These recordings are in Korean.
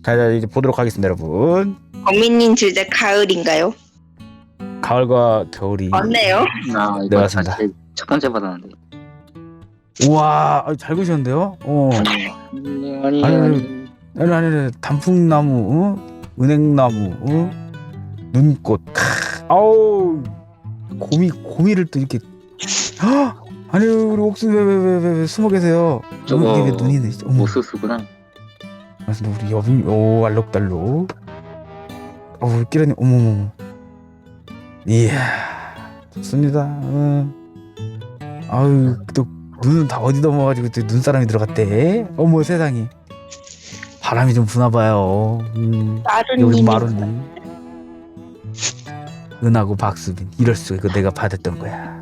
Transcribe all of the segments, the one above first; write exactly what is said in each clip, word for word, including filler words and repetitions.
자, 자 이제 보도록 하겠습니다, 여러분. 범인님 주제 가을인가요? 가을과 겨울이. 맞네요. 나 네, 이거 맞습니다. 사실 첫 번째 받았는데. 우와, 아, 잘 그리셨는데요? 어. 아니 아니 아니, 아니. 아니, 아니, 아니, 단풍나무, 어? 은행나무, 어? 눈꽃. 크, 아우, 고미, 고미를 또 이렇게. 헉! 아니, 우리 옥순 왜, 왜, 왜, 왜, 왜 숨어 계세요? 저거 이게 왜 눈이네, 진짜. 어머. 모스스구나. 맞습니다, 우리 여빈, 오, 알록달록. 어, 우리 끼라니, 어머머머. 이야, 좋습니다. 어. 아유, 또 눈은 다 어디 넘어가지고 또 눈사람이 들어갔대. 어머 세상에. 바람이 좀 부나봐요. 음, 여기 마루님. 마루님. 은하고 박수빈. 이럴 수가. 이거 내가 받았던 거야.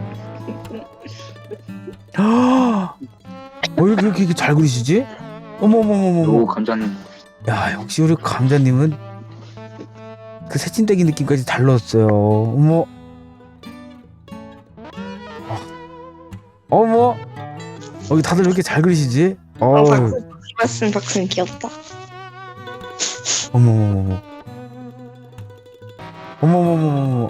어, 왜 이렇게, 이렇게 잘 그리시지? 오 어머머머머머. 감자님. 야, 역시 우리 감자님은 그 새침대기 느낌까지 잘 넣었어요. 어머. 어. 어머. 여기 다들 왜 이렇게 잘 그리시지? 어, 어. 박수, 박수, 박수 귀엽다. 어머머머머. 어머머머머.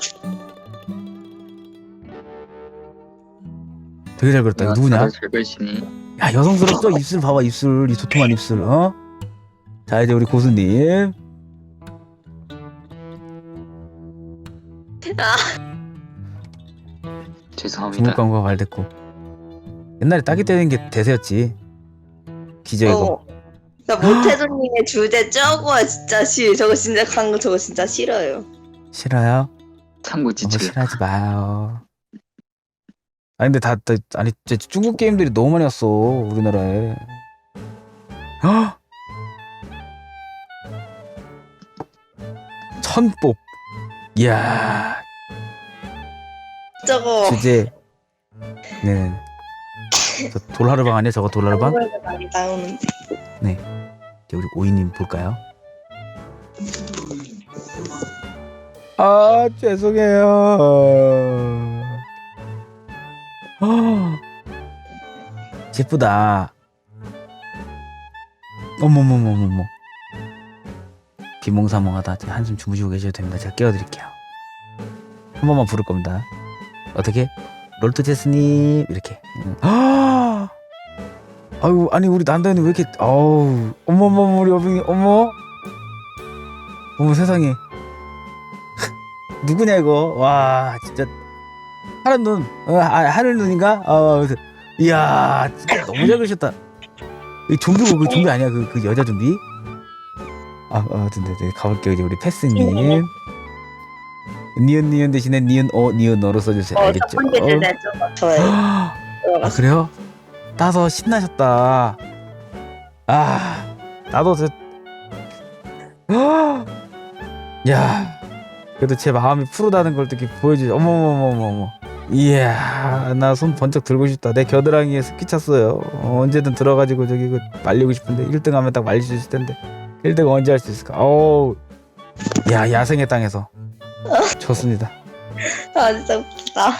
되게 잘 그렸다. 이거 누구냐? 다들 잘 그리시니. 야, 여성스럽죠? 입술 봐봐, 입술. 이 도톰한 입술. 어? 자, 이제 우리 고수님. 죄송합니다. 주물감과 말대꾸. 옛날에 따기 때리는 게 대세였지. 기저 이거. 어. 나 모태조님의 주제 저거 진짜 싫. 저거 진짜 강거 저거 진짜 싫어요. 싫어요? 참고 너무 지쳐. 싫어하지 마요. 아니 근데 다, 다 아니 진짜 중국 게임들이 너무 많이 왔어 우리나라에. 헉! 천뽑. 이야, 저거. 주제. 네. 저 돌하르방 아니야 저거 돌하르방? 한국에서 많이 나오는데. 이제 우리 오이님 볼까요? 아 죄송해요. 아, 예쁘다. 어머머머머머. 비몽사몽하다. 지금 한숨 주무시고 계셔도 됩니다. 제가 깨워드릴게요. 한 번만 부를 겁니다. 어떻게? 롤토 제스님 이렇게. 아, 아유 아니 우리 난다현이 왜 이렇게 어우 어머머머 우리 여빈이 어머 어머 세상에. 누구냐 이거. 와 진짜 파란 눈. 어, 아, 하늘 눈인가? 어, 그래서, 이야 진짜 너무 잘 그리셨다. 이 좀비고 그 좀비 아니야 그, 그 여자 좀비? 아, 아 근데 네, 가볼게요. 이제 우리 패스님. 니은 니은 대신에 니은 어 니은 어로 써주세요. 어, 알겠죠? 첫 번째 주제 저거 저예요. 아 그래요? 따서 신나셨다. 아 나도 저. 아, 야 그래도 제 마음이 푸르다는 걸 이렇게 보여주지. 어머머머머머. 이야 나 손 번쩍 들고 싶다. 내 겨드랑이에 습기 찼어요. 어, 언제든 들어가지고 저기 그 말리고 싶은데 일 등 하면 딱 말릴 수 있을 텐데 일 등 언제 할 수 있을까? 어우 야 야생의 땅에서 좋습니다. 아 진짜 웃기다.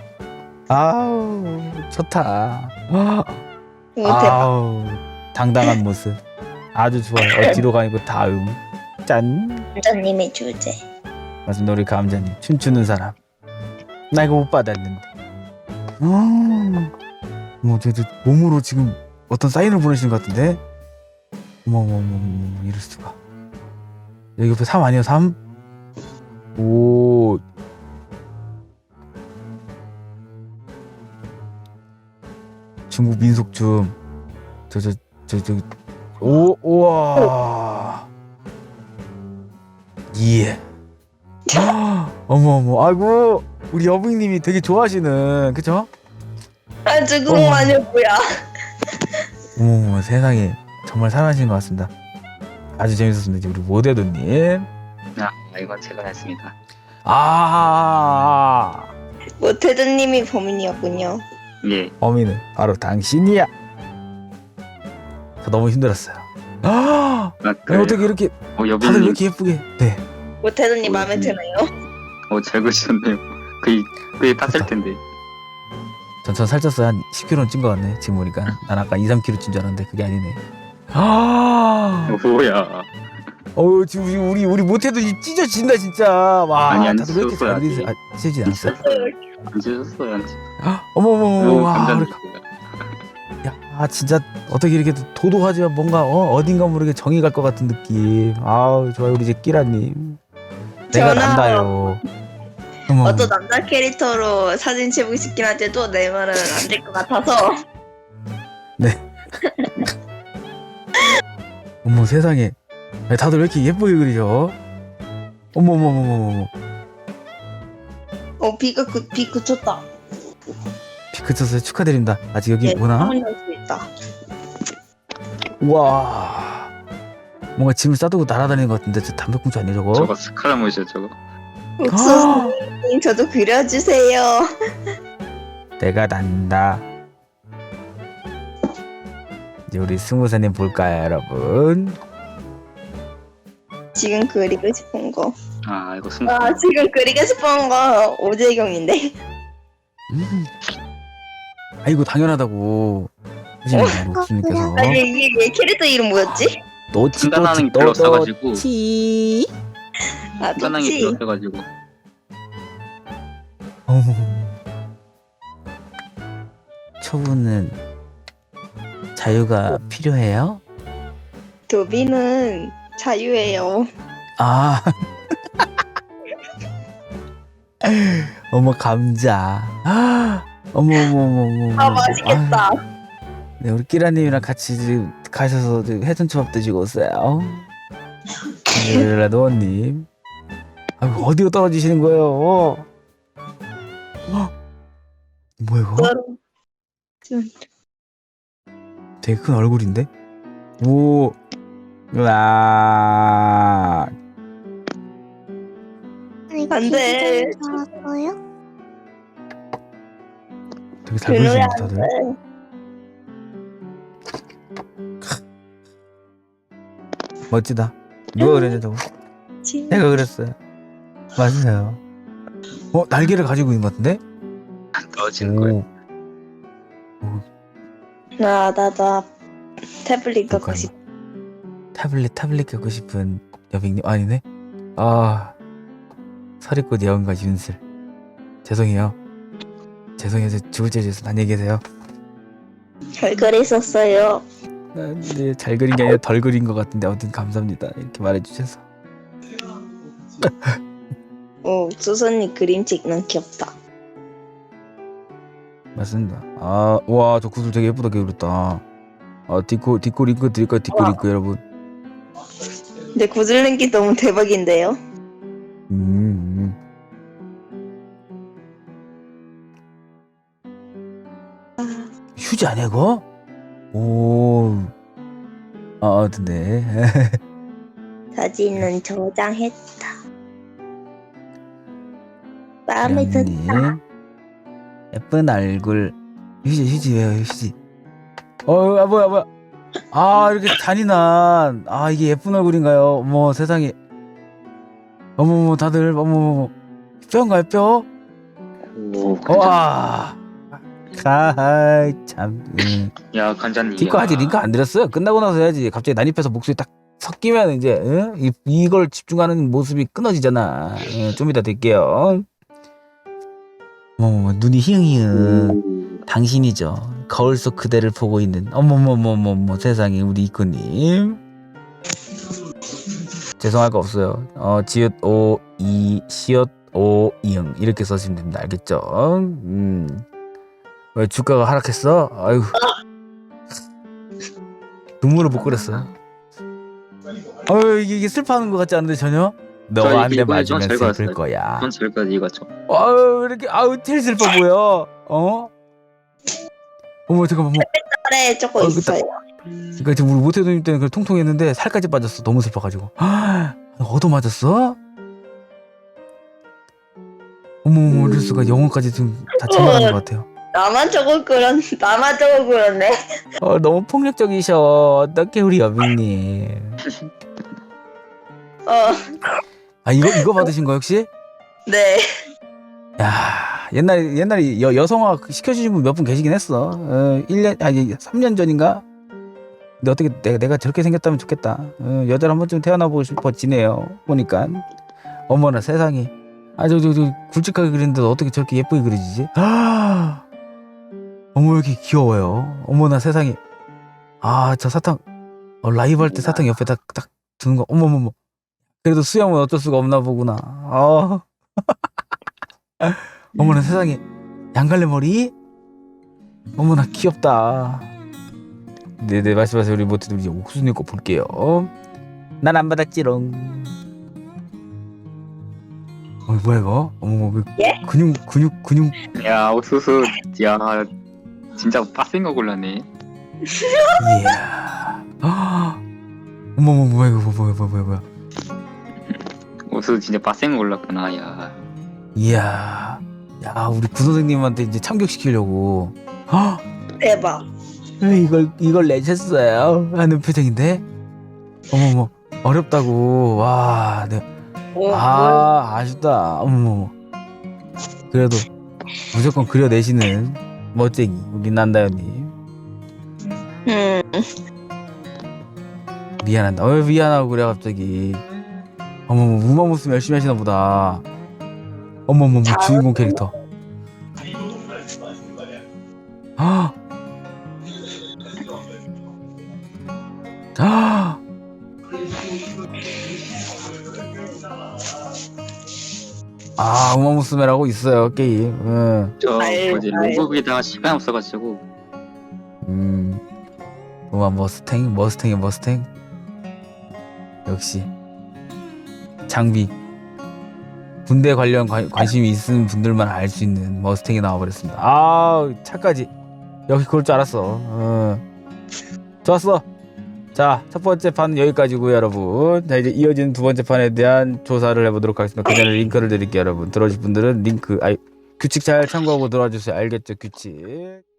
아우 좋다. 아, 오, 대박. 아우 당당한 모습 아주 좋아요. 어디로 가니고 다음 짠. 감자님의 주제. 맞습니다. 우리 감자님 춤추는 사람. 나 이거 못 받았는데. 음, 뭐 저도 몸으로 지금 어떤 사인을 보내시는 것 같은데. 어머머머머 이럴 수가. 여기 옆에 삼 아니에요 삼? 오. 중국 민속춤. 저 저 저 저 오 우와. 예. 어머 어머 아이고 우리 여부님이 되게 좋아하시는 그쵸? 아 주공 마녀 뭐야? 어머 어머 세상에 정말 사랑하시는 것 같습니다. 아주 재밌었습니다. 이제 우리 모대도님. 아 이건 제가 했습니다. 아 모태조님이 범인이었군요. 예. 범인은 바로 당신이야. 저 너무 힘들었어요. 아 아, 아니, 어떻게 이렇게 어 다들 왜 여빈님. 이렇게 예쁘게. 네. 모태조님 어, 마음에 음. 드나요? 어잘 그리셨네요. 거의 거의 땄을 텐데. 전, 전 살쪘어요. 한 십 킬로는 찐 것 같네 지금 보니까. 난 아까 이, 삼 킬로 찐 줄 알았는데 그게 아니네. 아 어, 뭐야? 어우 지금 우리 우리 우리 못해도 이 찢어진다 진짜. 와 아니, 안 다들 왜 이렇게 찢었어요, 잘 되세요? 아 찢어지지 않았어? 안 찢었어요, 안 찢었어요. 어머 어머 어머 와 감자 우리 야, 아 진짜 어떻게 이렇게 도도하지만 뭔가 어, 어딘가 모르게 정이 갈 것 같은 느낌. 아우 좋아요 우리 이제 끼라님. 내가 전화. 난다요. 어머, 어떤 남자 캐릭터로 사진 찍고 싶긴 한데도 내 말은 안 될 것 같아서. 어머 세상에. 아니, 다들 왜 이렇게 예쁘게 그리죠? 어머 어머 어머 어머 어머. 어 비가 그, 비 그쳤다. 비 그쳤어요. 축하드립니다. 아직 여기 예, 오나? 한번 할수 있다. 와. 뭔가 짐을 싸두고 날아다니는 것 같은데 저 담배꽁초 아니야 저거? 저거 스카라무이죠, 저거. 옥수수님 저도 그려주세요. 내가 난다. 이제 우리 스무사님 볼까요 여러분? 지금 그리고 싶은 거. 아, 이거 승. 아 지금 그리고 싶은 거 오재경인데. 음. 아 이거 당연하다고 하시는 옥수님께서 아니 이게 얘 캐릭터 이름 뭐였지? 노치 순간하는 노치 게 별로 없어가지고. 노치 아 순간하는 게 좋지. 별로 없어가지고. 어머 초보는 자유가 필요해요? 도비는 자유예요. 아 어머 감자 아, 어머 어머 어머 어머 아 맛있겠다. 아, 네 우리 끼라님이랑 같이 이제 가셔서 이제 회전초밥 드시고 오세요. 네 노원님 아이고 어디로 떨어지시는 거예요? 어? 뭐야 이거? 되게 큰 얼굴인데? 오, 와, 안 돼. 나왔어요? 되게 잘 보이시는데 다들. 멋지다. 누가 그랬냐 저거? 내가 그랬어요. 맞아요. 어 날개를 가지고 있는 것 같은데? 떨어지는 거예요. 나 나다 태블릿 갖고 볼까요? 싶. 타블릿 타블릿 갖고 싶은 여백님 아니네? 아 서리꽃 여운과 윤슬 죄송해요. 죄송해요. 저 죽을 죄져서 난 얘기하세요. 잘 그렸었어요. 네, 잘 그린 게 아니라 덜 그린 것 같은데 아무튼 감사합니다. 이렇게 말해주셔서. 오 수선이 그림 찍는 귀엽다. 맞습니다. 아, 와, 저 구슬 되게 예쁘게 그렸다. 아, 디코, 디코 링크 드릴까요? 디코 와. 링크 여러분. 근데 구슬랭기 너무 대박인데요. 음, 음. 휴지 아니야 이거? 오, 아, 근데 사진은 저장했다. 마음에 든다. 님 예쁜 얼굴. 휴지, 휴지 왜요, 휴지? 어, 아 뭐야, 뭐야? 아, 이렇게 잔인한. 아, 이게 예쁜 얼굴인가요? 어머, 세상에. 어머머, 다들 어머머, 뼈인가요, 뼈? 오, 간장. 와, 아이 참. 음. 야, 간장님. 디코 아직 링크 안 드렸어요. 끝나고 나서 해야지. 갑자기 난입해서 목소리 딱 섞이면 이제 응? 이, 이걸 집중하는 모습이 끊어지잖아. 응, 좀 이따 드릴게요. 어머머, 눈이 희응희응. 당신이죠. 거울 속 그대를 보고 있는. 어머머머머머, 세상에 우리 이코님. 죄송할 거 없어요. 어, 지읒 오, 이, 시읒 오, 이응 이렇게 써주시면 됩니다. 알겠죠? 음. 왜 주가가 하락했어? 아이고. 눈물을 못 그렸어. 어, 이게, 이게 슬퍼하는 것 같지 않은데 전혀? 너와 한 대 이거 맞으면 잘 슬플 그렸어요. 거야. 전 저기까지 이거죠. 아유, 이렇게 아우 제일 슬퍼 보여. 어? 어머 잠깐만. 어머. 아래 조금 어, 그 있어요. 그러니까 지금 우리 모태도님 때는 그 통통했는데 살까지 빠졌어. 너무 슬퍼가지고. 아, 얻어 맞았어? 어머 어머 이럴 수가. 영혼까지 지금 다 챙겨가는 것 같아요. 나만 저거 그렸, 나만 저거 그렸네. 어 너무 폭력적이셔. 어떡해 우리 여빈님. 어, 아 이거 이거 받으신 거 혹시? 네. 야 옛날에 옛날에 여, 여성화 시켜주신 분 몇 분 계시긴 했어. 어, 일 년 아니 삼 년 전인가 근데 어떻게 내가, 내가 저렇게 생겼다면 좋겠다. 어, 여자를 한 번쯤 태어나보고 싶어지네요. 보니까 어머나 세상에. 아 저 저 저 굵직하게 그리는데 어떻게 저렇게 예쁘게 그려지지? 아 어머 왜 이렇게 귀여워요. 어머나 세상에. 아 저 사탕 어, 라이브 할 때 사탕 옆에 딱 딱 두는 거 어머머머. 그래도 수영은 어쩔 수가 없나 보구나. 아 어머나 세상에. 양갈래 머리? 어머나 귀엽다. 네네 말씀하세요. 우리 모두 우리 옥수님 거 볼게요. 난 안 받았지롱. 어 뭐야 이거? 어머 왜 예? 근육 근육 근육. 야 옥수수 야 진짜 빡센 거 골랐네. 이야. 아 어머 어머 뭐야 이거 뭐야 뭐야 뭐야 뭐야. 옥수수 진짜 빡센 거 골랐구나. 야 이야. 야 우리 구 선생님한테 이제 참교시키려고. 아 대박. 이걸 이걸 내셨어요 하는 표정인데. 어머머 어렵다고. 와 네. 어, 뭘- 아 아쉽다. 어머머. 그래도 무조건 그려내시는 멋쟁이 우리 난다연님. 음, 미안한다. 왜 미안하고 그래 갑자기. 어머머 우마무스 열심히 하시나 보다. 어머머머 잘- 주인공 캐릭터. 아. 아. 아 우마무스메라고 있어요 게임. 응. 저 아유, 뭐지 아유. 로그에다가 시간 없어가지고 음. 우마 머스탱 머스탱이 머스탱. 역시 장비. 군대 관련 관, 관심이 있는 분들만 알 수 있는 머스탱이 나와버렸습니다. 아 차까지. 역시 그럴 줄 알았어. 어. 좋았어. 자, 첫 번째 판 여기까지고요, 여러분. 자, 이제 이어지는 두 번째 판에 대한 조사를 해보도록 하겠습니다. 그 전에 링크를 드릴게요, 여러분. 들어오실 분들은 링크, 아이, 규칙 잘 참고하고 들어와 주세요. 알겠죠, 규칙.